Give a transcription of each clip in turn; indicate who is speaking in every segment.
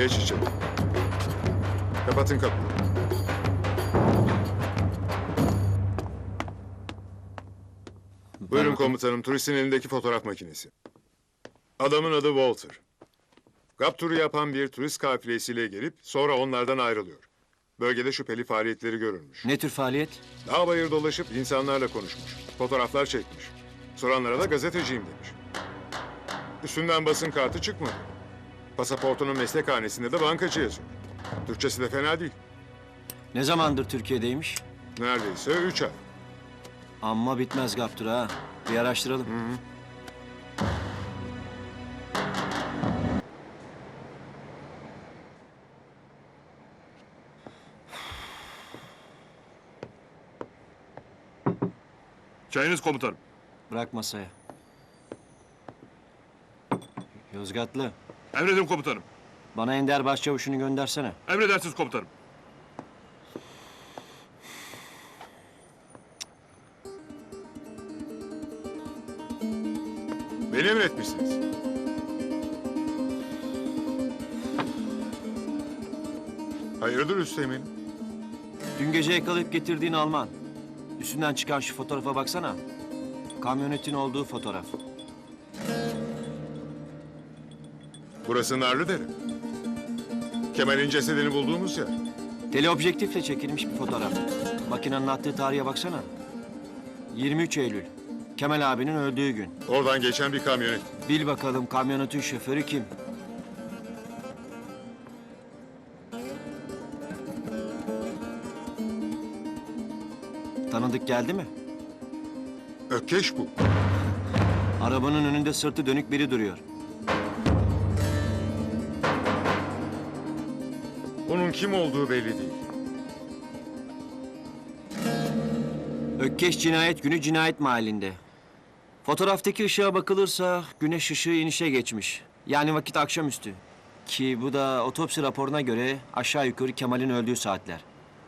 Speaker 1: Geç içeri. Kapatın kapıyı. Buyurun komutanım, turistin elindeki fotoğraf makinesi. Adamın adı Walter. GAP turu yapan bir turist kafilesiyle gelip sonra onlardan ayrılıyor. Bölgede şüpheli faaliyetleri görülmüş.
Speaker 2: Ne tür faaliyet?
Speaker 1: Dağ bayır dolaşıp insanlarla konuşmuş. Fotoğraflar çekmiş. Soranlara da gazeteciyim demiş. Üstünden basın kartı çıkmadı. Pasaportunun meslekhanesinde de bankacı yazıyor. Türkçesi de fena değil.
Speaker 2: Ne zamandır Türkiye'deymiş?
Speaker 1: Neredeyse 3 ay.
Speaker 2: Amma bitmez Gaptur ha. Bir araştıralım.
Speaker 3: Çayınız komutanım.
Speaker 2: Bırak masaya. Yozgatlı,
Speaker 3: Emredin komutanım.
Speaker 2: bana Ender Başçavuş'unu göndersene.
Speaker 3: Emredersiniz komutanım.
Speaker 1: Beni emretmişsiniz. Hayırdır Üsteğmen'im?
Speaker 2: Dün gece yakalayıp getirdiğin Alman. Üstünden çıkan şu fotoğrafa baksana. Kamyonetin olduğu fotoğraf.
Speaker 1: Burası Narlıdere. Kemal'in cesedini bulduğumuz yer.
Speaker 2: Teleobjektifle çekilmiş bir fotoğraf. Makinenin attığı tarihe baksana. 23 Eylül. Kemal abinin öldüğü gün.
Speaker 1: Oradan geçen bir kamyonet.
Speaker 2: Bil bakalım kamyonetin şoförü kim? Tanıdık geldi mi?
Speaker 1: Ökkeş bu.
Speaker 2: Arabanın önünde sırtı dönük biri duruyor.
Speaker 1: Onun kim olduğu belli değil.
Speaker 2: Ökkeş cinayet günü cinayet mahallinde. Fotoğraftaki ışığa bakılırsa güneş ışığı inişe geçmiş. Yani vakit akşamüstü. Ki bu da otopsi raporuna göre aşağı yukarı Kemal'in öldüğü saatler.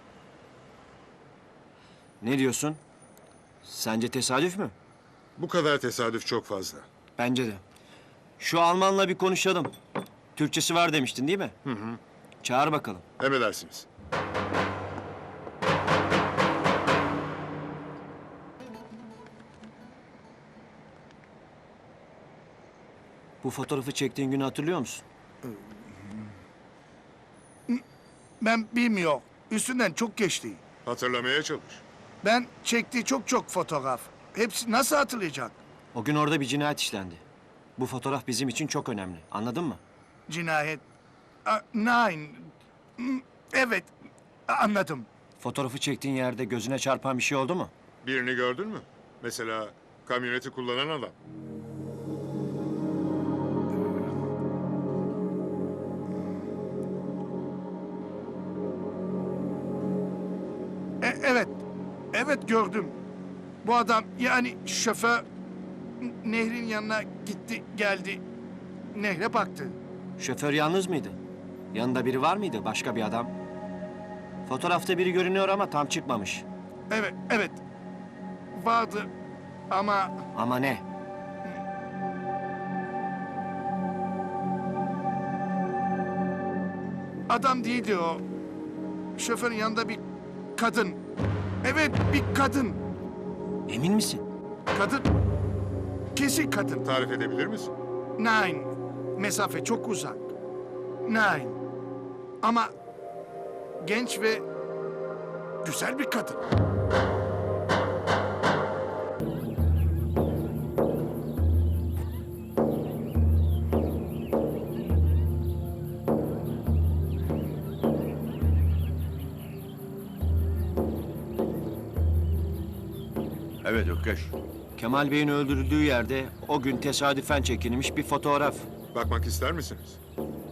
Speaker 2: Ne diyorsun? Sence tesadüf mü?
Speaker 1: Bu kadar tesadüf çok fazla.
Speaker 2: Bence de. Şu Almanla bir konuşalım. Türkçesi var demiştin değil mi? Hı hı. Çağır bakalım.
Speaker 1: Emredersiniz.
Speaker 2: Bu fotoğrafı çektiğin günü hatırlıyor musun?
Speaker 4: Ben bilmiyorum. Üstünden çok geçti.
Speaker 1: Hatırlamaya çalış.
Speaker 4: Ben çektiği çok fotoğraf. Hepsi nasıl hatırlayacak?
Speaker 2: O gün orada bir cinayet işlendi. Bu fotoğraf bizim için çok önemli. Anladın mı?
Speaker 4: Cinayet. Nein. Evet. Anladım.
Speaker 2: Fotoğrafı çektiğin yerde gözüne çarpan bir şey oldu mu?
Speaker 1: Birini gördün mü? Mesela kamyoneti kullanan adam.
Speaker 4: Evet. Evet gördüm. Bu adam yani şoför nehrin yanına gitti geldi. Nehre baktı.
Speaker 2: Şoför yalnız mıydı? Yanında biri var mıydı? Başka bir adam? Fotoğrafta biri görünüyor ama tam çıkmamış.
Speaker 4: Evet. Vardı ama
Speaker 2: Ama ne?
Speaker 4: adam değildi o. Şoförün yanında bir kadın. Evet bir kadın.
Speaker 2: Emin misin?
Speaker 4: Kadın. Kesin kadın.
Speaker 1: Tarif edebilir misin?
Speaker 4: Nein. Mesafe çok uzak. Nein. Ama genç ve güzel bir kadın.
Speaker 3: Evet Ökkeş.
Speaker 2: Kemal Bey'in öldürüldüğü yerde o gün tesadüfen çekilmiş bir fotoğraf.
Speaker 1: Bakmak ister misiniz?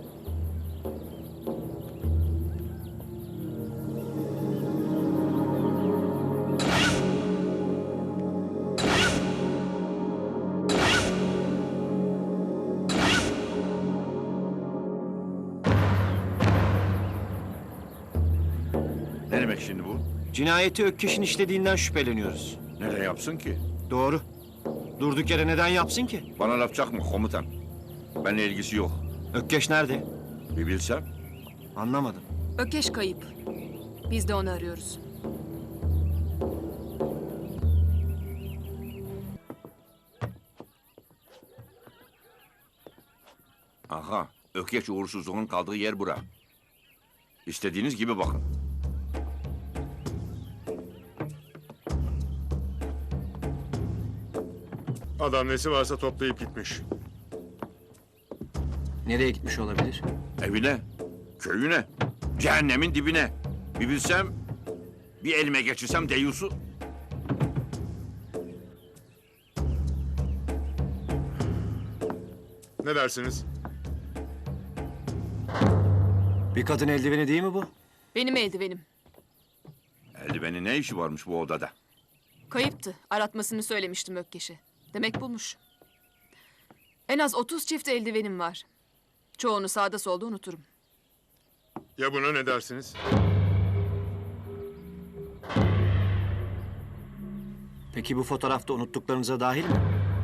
Speaker 5: Ne demek şimdi bu?
Speaker 2: Cinayeti Ökkeş'in işlediğinden şüpheleniyoruz.
Speaker 5: Neden yapsın ki?
Speaker 2: Doğru. Durduk yere neden yapsın ki?
Speaker 5: Bana laf çakma komutan. Benimle ilgisi yok.
Speaker 2: Ökkeş nerede?
Speaker 5: Bir bilsem.
Speaker 2: Anlamadım.
Speaker 6: Ökeş kayıp. Biz de onu arıyoruz.
Speaker 5: Aha, Ökeş uğursuzluğun kaldığı yer bura. İstediğiniz gibi bakın.
Speaker 1: Adam nesi varsa toplayıp gitmiş.
Speaker 2: Nereye gitmiş olabilir?
Speaker 5: Evine, köyüne, cehennemin dibine. Bir bilsem, bir elime geçirsem deyyusu.
Speaker 1: Ne dersiniz?
Speaker 2: Bir kadın eldiveni değil mi bu?
Speaker 6: Benim eldivenim.
Speaker 5: Eldivenin ne işi varmış bu odada?
Speaker 6: Kayıptı. Aratmasını söylemiştim Ökkeş'e. Demek bulmuş. En az 30 çift eldivenim var. Çoğunu sağda solda unuturum.
Speaker 1: Ya buna ne dersiniz?
Speaker 2: Peki bu fotoğrafta unuttuklarınıza dahil mi?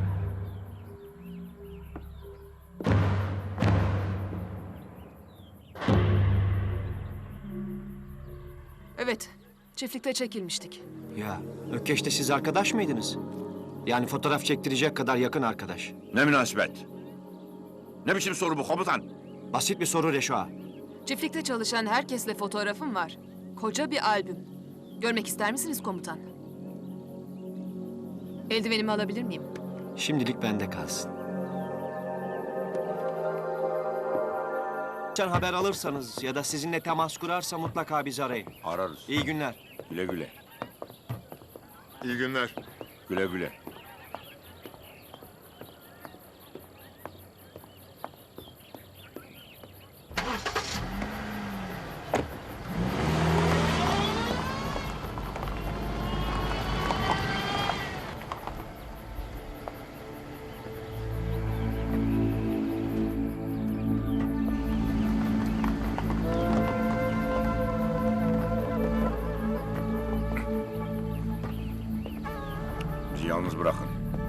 Speaker 6: Evet, çiftlikte çekilmiştik.
Speaker 2: Ya Ökkeş'te siz arkadaş mıydınız? Yani fotoğraf çektirecek kadar yakın arkadaş.
Speaker 5: Ne münasebet? Ne biçim soru bu komutan?
Speaker 2: Basit bir soru Reşo ağa.
Speaker 6: Çiftlikte çalışan herkesle fotoğrafım var. Koca bir albüm. Görmek ister misiniz komutan? Eldivenimi alabilir miyim?
Speaker 2: Şimdilik bende kalsın. Sen haber alırsanız ya da sizinle temas kurarsa mutlaka bizi arayın.
Speaker 5: Ararız.
Speaker 2: İyi günler.
Speaker 5: Güle güle.
Speaker 1: İyi günler.
Speaker 5: Güle güle. Bizi yalnız bırakın.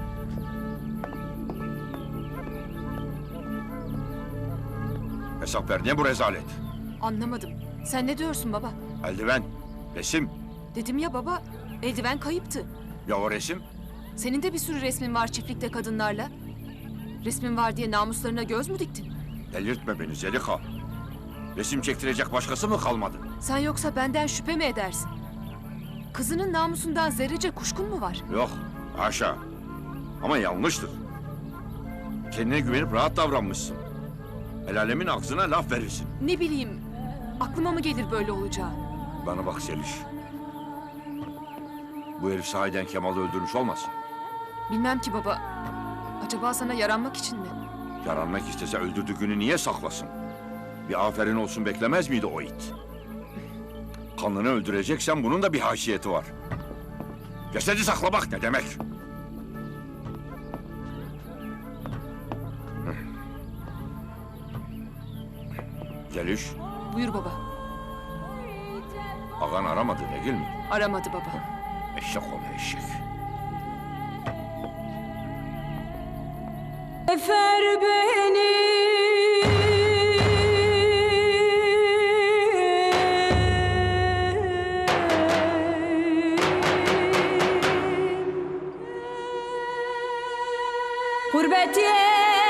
Speaker 5: Hesap ver. Ne bu rezalet?
Speaker 6: Anlamadım. Sen ne diyorsun baba?
Speaker 5: Eldiven, resim.
Speaker 6: Dedim ya baba, eldiven kayıptı.
Speaker 5: Ya o resim?
Speaker 6: Senin de bir sürü resmin var çiftlikte kadınlarla. Resmin var diye namuslarına göz mü diktin?
Speaker 5: Delirtme beni Zelika. Resim çektirecek başkası mı kalmadı?
Speaker 6: Sen yoksa benden şüphe mi edersin? Kızının namusundan zerrece kuşkun mu var?
Speaker 5: Yok, haşa. Ama yanlıştır. Kendine güvenip rahat davranmışsın. El alemin aksına laf verirsin.
Speaker 6: Ne bileyim, aklıma mı gelir böyle olacağı?
Speaker 5: Bana bak Seliş. Bu herif sahiden Kemal'i öldürmüş olmasın?
Speaker 6: Bilmem ki baba. Acaba sana yaranmak için mi?
Speaker 5: Yaranmak istese öldürdüğünü niye saklasın? Bir aferin olsun beklemez miydi o it? Kanını öldüreceksen bunun da bir haysiyeti var. Cesedi saklamak ne demek? Zeliş,
Speaker 6: Buyur baba.
Speaker 5: ağan aramadı değil mi?
Speaker 6: Aramadı baba.
Speaker 5: Eşek ol eşek.
Speaker 7: Efer beni gurbet